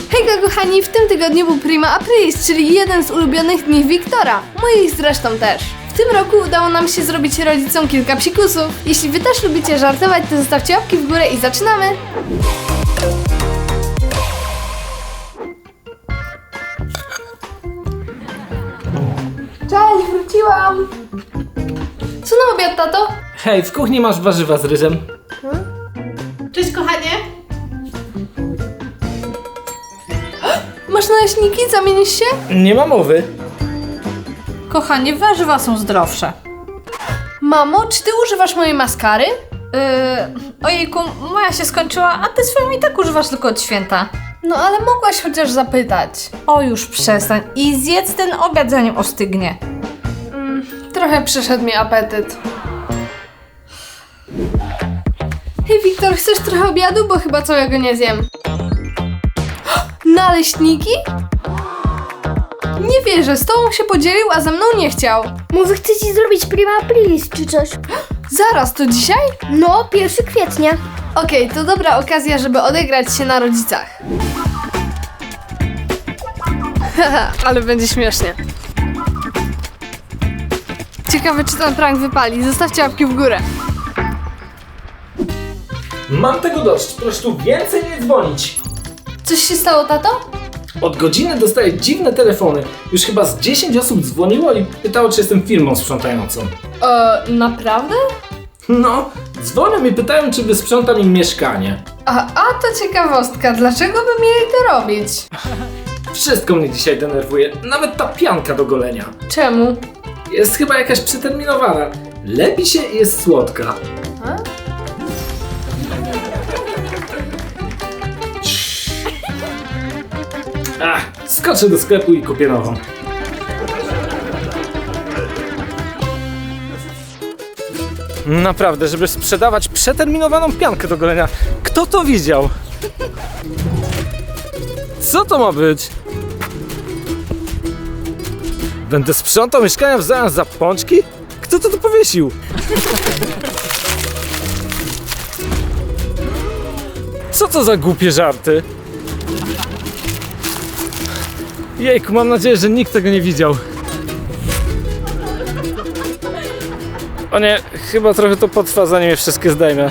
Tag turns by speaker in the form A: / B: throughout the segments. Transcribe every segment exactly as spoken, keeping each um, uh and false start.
A: Hejka kochani, w tym tygodniu był Prima Aprilis, czyli jeden z ulubionych dni Wiktora, moich zresztą też. W tym roku udało nam się zrobić rodzicom kilka psikusów. Jeśli wy też lubicie żartować, to zostawcie łapki w górę i zaczynamy! Cześć, wróciłam! Co na obiad, tato?
B: Hej, w kuchni masz warzywa z ryżem.
A: Cześć, kochanie! Masz naleśniki? Zamienisz się?
B: Nie ma mowy.
C: Kochanie, warzywa są zdrowsze.
A: Mamo, czy ty używasz mojej maskary?
C: Yy, ojejku, moja się skończyła, a ty swoją i tak używasz tylko od święta.
A: No ale mogłaś chociaż zapytać.
C: O, już przestań i zjedz ten obiad, zanim ostygnie.
A: Mm, trochę przyszedł mi apetyt. Hej Wiktor, chcesz trochę obiadu? Bo chyba całego nie zjem. Naleśniki? Nie wierzę, z tobą się podzielił, a ze mną nie chciał.
D: Może chce ci zrobić Prima Aprilis czy coś?
A: Zaraz, to dzisiaj?
D: No, pierwszego kwietnia.
A: Okej, to dobra okazja, żeby odegrać się na rodzicach. Haha, ale będzie śmiesznie. Ciekawe, czy ten prank wypali. Zostawcie łapki w górę.
B: Mam tego dość, proszę tu więcej nie dzwonić.
A: Coś się stało, tato?
B: Od godziny dostaję dziwne telefony. Już chyba z dziesięć osób dzwoniło i pytało, czy jestem firmą sprzątającą.
A: Eee, naprawdę?
B: No, dzwonią i pytają, czy wysprzątam im mieszkanie.
A: A, a to ciekawostka, dlaczego by mieli to robić?
B: Wszystko mnie dzisiaj denerwuje, nawet ta pianka do golenia.
A: Czemu?
B: Jest chyba jakaś przeterminowana. Lepi się i jest słodka.
A: A?
B: Ach, skoczę do sklepu i kupię nową. Naprawdę, żeby sprzedawać przeterminowaną piankę do golenia. Kto to widział? Co to ma być? Będę sprzątał mieszkania w zamian za pączki? Kto to tu powiesił? Co to za głupie żarty? Jejku, mam nadzieję, że nikt tego nie widział. O nie, chyba trochę to potrwa, zanim je wszystkie zdejmę.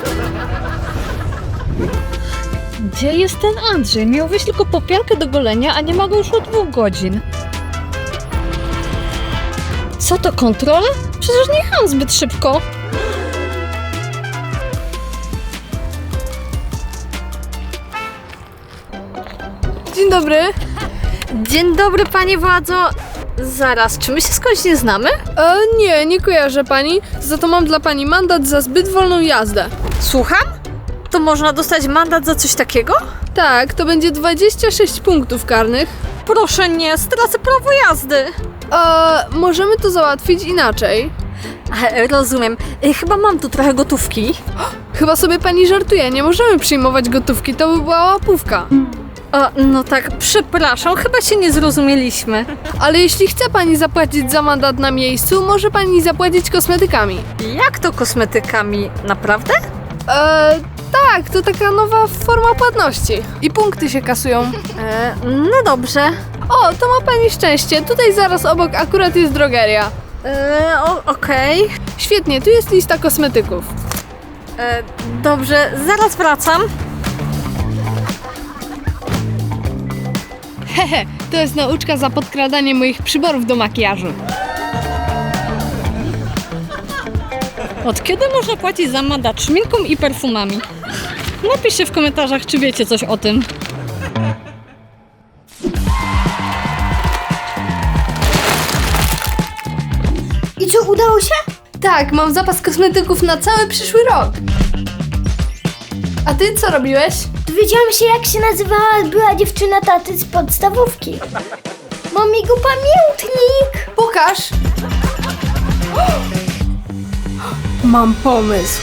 E: Gdzie jest ten Andrzej? Miał wyjść tylko po piankę do golenia, a nie ma go już od dwóch godzin. Co to, kontrola? Przecież nie jechałam zbyt szybko.
A: Dzień dobry.
E: Dzień dobry, panie władzo. Zaraz, czy my się skądś nie znamy?
A: E, nie, nie kojarzę pani, za to mam dla pani mandat za zbyt wolną jazdę.
E: Słucham? To można dostać mandat za coś takiego?
A: Tak, to będzie dwadzieścia sześć punktów karnych.
E: Proszę nie, stracę prawo jazdy.
A: E, możemy to załatwić inaczej.
E: E, Rozumiem. E, Chyba mam tu trochę gotówki.
A: Chyba sobie pani żartuje, nie możemy przyjmować gotówki, to by była łapówka.
E: O, no tak, przepraszam, chyba się nie zrozumieliśmy.
A: Ale jeśli chce pani zapłacić za mandat na miejscu, może pani zapłacić kosmetykami.
E: Jak to kosmetykami? Naprawdę?
A: Eee, tak, to taka nowa forma płatności. I punkty się kasują.
E: E, no dobrze.
A: O, to ma pani szczęście. Tutaj zaraz obok akurat jest drogeria.
E: E, o, Okej.
A: Świetnie, tu jest lista kosmetyków.
E: E, Dobrze, zaraz wracam.
A: Hehe, to jest nauczka za podkradanie moich przyborów do makijażu.
E: Od kiedy można płacić za mandat szminką i perfumami? Napiszcie w komentarzach, czy wiecie coś o tym.
D: I co, udało się?
A: Tak, mam zapas kosmetyków na cały przyszły rok. A ty co robiłeś?
D: Dowiedziałam się, jak się nazywała była dziewczyna taty z podstawówki. Mam jego pamiętnik.
A: Pokaż. Mam pomysł.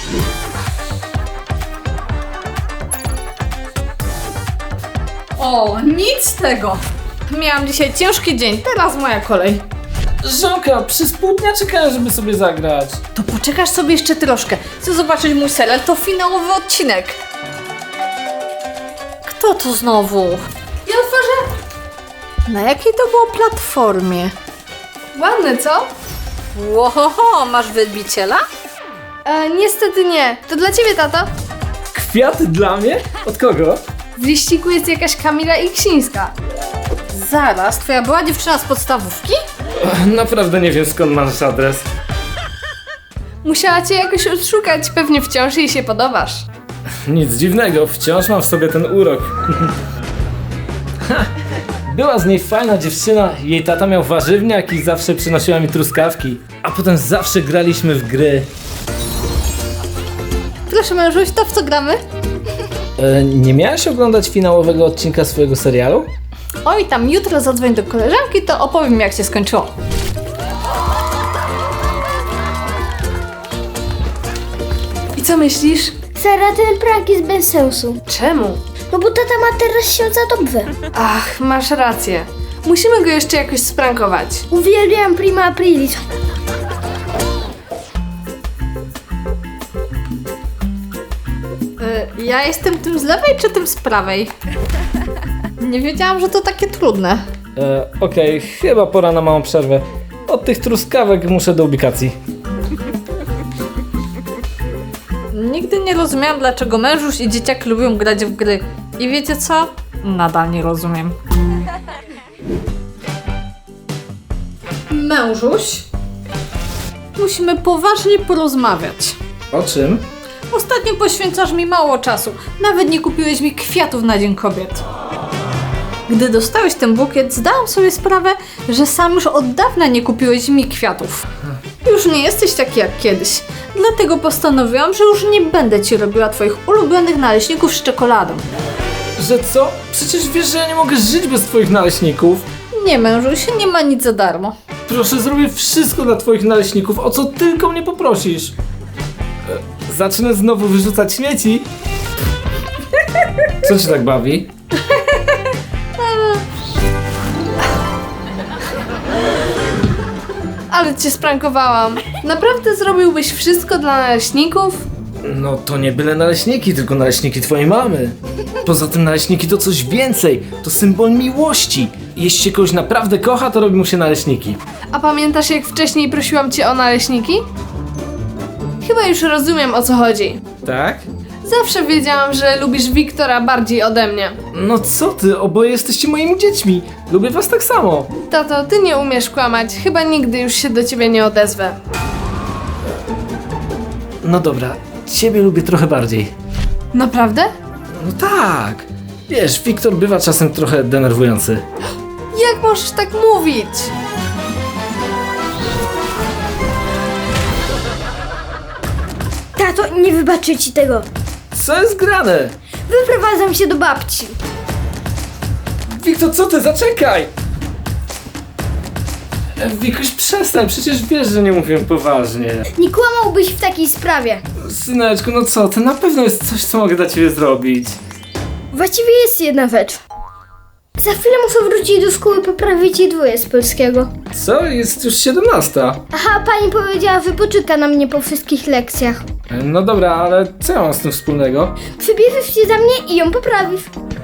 C: O, nic z tego. Miałam dzisiaj ciężki dzień, teraz moja kolej.
B: Żonka, przez pół dnia czekałem, żeby sobie zagrać.
C: To poczekasz sobie jeszcze troszkę. Chcę zobaczyć mój serial, to finałowy odcinek. Kto Co to znowu?
A: Ja otworzę.
C: Na jakiej to było platformie?
A: Ładne, co?
C: Łohoho, masz wielbiciela?
A: E, niestety nie. To dla ciebie, tato.
B: Kwiaty dla mnie? Od kogo?
A: W liściku jest jakaś Kamila Iksińska.
C: Zaraz, twoja była dziewczyna z podstawówki?
B: Naprawdę nie wiem, skąd masz adres.
A: Musiała cię jakoś odszukać, pewnie wciąż jej się podobasz.
B: Nic dziwnego, wciąż mam w sobie ten urok. Ha, była z niej fajna dziewczyna, jej tata miał warzywniak i zawsze przynosiła mi truskawki. A potem zawsze graliśmy w gry.
A: Proszę mężuś, to w co gramy?
B: E, nie miałaś oglądać finałowego odcinka swojego serialu?
C: Oj, tam jutro zadzwoń do koleżanki, to opowiem jak się skończyło.
A: I co myślisz?
D: Sara, ten prank jest bez sensu.
A: Czemu?
D: No bo tata ma teraz się za dobrze.
A: Ach, masz rację. Musimy go jeszcze jakoś sprankować.
D: Uwielbiam Prima Aprilis.
C: Y, ja jestem tym z lewej czy tym z prawej? Nie wiedziałam, że to takie trudne.
B: E, Okej, chyba pora na małą przerwę. Od tych truskawek muszę do ubikacji.
C: Nigdy nie rozumiałam, dlaczego mężuś i dzieciak lubią grać w gry. I wiecie co? Nadal nie rozumiem. Mężuś? Musimy poważnie porozmawiać.
B: O czym?
C: Ostatnio poświęcasz mi mało czasu. Nawet nie kupiłeś mi kwiatów na Dzień Kobiet. Gdy dostałeś ten bukiet, zdałam sobie sprawę, że sam już od dawna nie kupiłeś mi kwiatów. Już nie jesteś taki jak kiedyś. Dlatego postanowiłam, że już nie będę ci robiła twoich ulubionych naleśników z czekoladą.
B: Że co? Przecież wiesz, że ja nie mogę żyć bez twoich naleśników.
C: Nie, mężuś, nie ma nic za darmo.
B: Proszę, zrobię wszystko dla twoich naleśników, o co tylko mnie poprosisz. E, zacznę znowu wyrzucać śmieci. Co cię tak bawi?
A: Ale cię sprankowałam. Naprawdę zrobiłbyś wszystko dla naleśników?
B: No to nie byle naleśniki, tylko naleśniki twojej mamy. Poza tym naleśniki to coś więcej, to symbol miłości. Jeśli się kogoś naprawdę kocha, to robi mu się naleśniki.
A: A pamiętasz, jak wcześniej prosiłam cię o naleśniki? Chyba już rozumiem, o co chodzi.
B: Tak?
A: Zawsze wiedziałam, że lubisz Wiktora bardziej ode mnie.
B: No co ty, oboje jesteście moimi dziećmi. Lubię was tak samo.
A: Tato, ty nie umiesz kłamać. Chyba nigdy już się do ciebie nie odezwę.
B: No dobra, ciebie lubię trochę bardziej.
A: Naprawdę?
B: No tak. Wiesz, Wiktor bywa czasem trochę denerwujący.
A: Jak możesz tak mówić?
D: Tato, nie wybaczę ci tego.
B: Co jest grane?
D: Wyprowadzam się do babci.
B: Wiktor, co ty? Zaczekaj! E, Wikuś, przestań, przecież wiesz, że nie mówię poważnie.
D: Nie kłamałbyś w takiej sprawie.
B: Syneczku, no co, to na pewno jest coś, co mogę dla ciebie zrobić.
D: Właściwie jest jedna rzecz. Za chwilę muszę wrócić do szkoły, poprawić jej dwoje z polskiego.
B: Co? Jest już siedemnasta.
D: Aha, pani powiedziała, że poczeka na mnie po wszystkich lekcjach.
B: E, No dobra, ale co ja mam z tym wspólnego?
D: Przybierzesz się za mnie i ją poprawisz.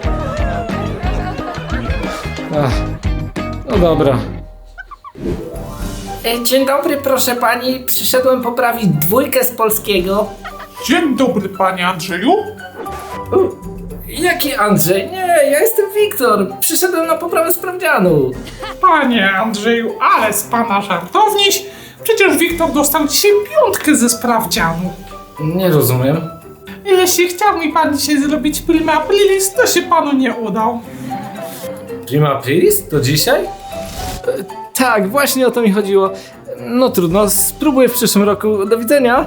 B: Ach, no dobra.
F: E, Dzień dobry, proszę pani. Przyszedłem poprawić dwójkę z polskiego.
G: Dzień dobry, panie Andrzeju.
B: Jaki Andrzej? Nie, ja jestem Wiktor. Przyszedłem na poprawę sprawdzianu.
G: Panie Andrzeju, ale z pana żartowniś. Przecież Wiktor dostał dzisiaj piątkę ze sprawdzianu.
B: Nie rozumiem.
G: Jeśli chciał mi pan dzisiaj zrobić prima aprilis, to się panu nie udał.
B: Prima aprilis? To dzisiaj? E, tak, właśnie o to mi chodziło. No trudno, spróbuję w przyszłym roku. Do widzenia.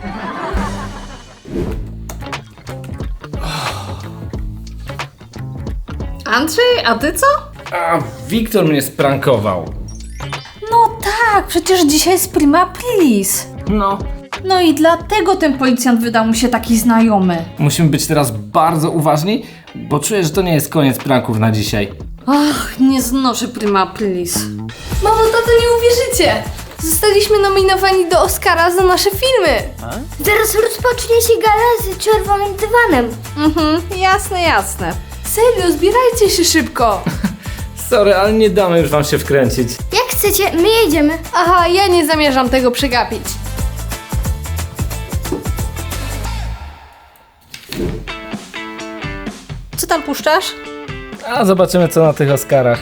C: Andrzej, a ty co?
B: A, Wiktor mnie sprankował.
C: No tak, przecież dzisiaj jest prima aprilis.
B: No.
C: No i dlatego ten policjant wydał mu się taki znajomy.
B: Musimy być teraz bardzo uważni, bo czuję, że to nie jest koniec pranków na dzisiaj.
C: Ach, nie znoszę prima aprilis.
A: Mamo, tato, nie uwierzycie! Zostaliśmy nominowani do Oscara za nasze filmy!
D: Zaraz rozpocznie się gala z czerwonym dywanem.
C: Mhm, jasne, jasne.
A: Serio, zbierajcie się szybko.
B: Sorry, ale nie damy już wam się wkręcić.
D: Jak chcecie, my jedziemy.
A: Aha, ja nie zamierzam tego przegapić.
C: Co tam puszczasz?
B: A zobaczymy co na tych Oscarach.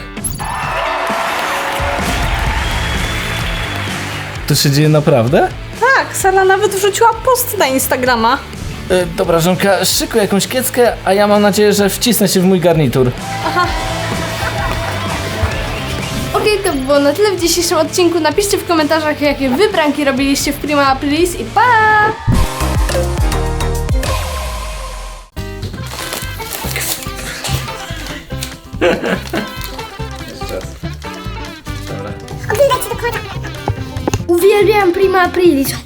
B: To się dzieje naprawdę?
C: Tak, Sara nawet wrzuciła post na Instagrama.
B: E, dobra, żonka, szykuj jakąś kieckę, a ja mam nadzieję, że wcisnę się w mój garnitur.
A: Okej, to było na tyle w dzisiejszym odcinku. Napiszcie w komentarzach, jakie wy pranki robiliście w Prima Aprilis i pa!
D: Uwielbiam Prima Aprilis.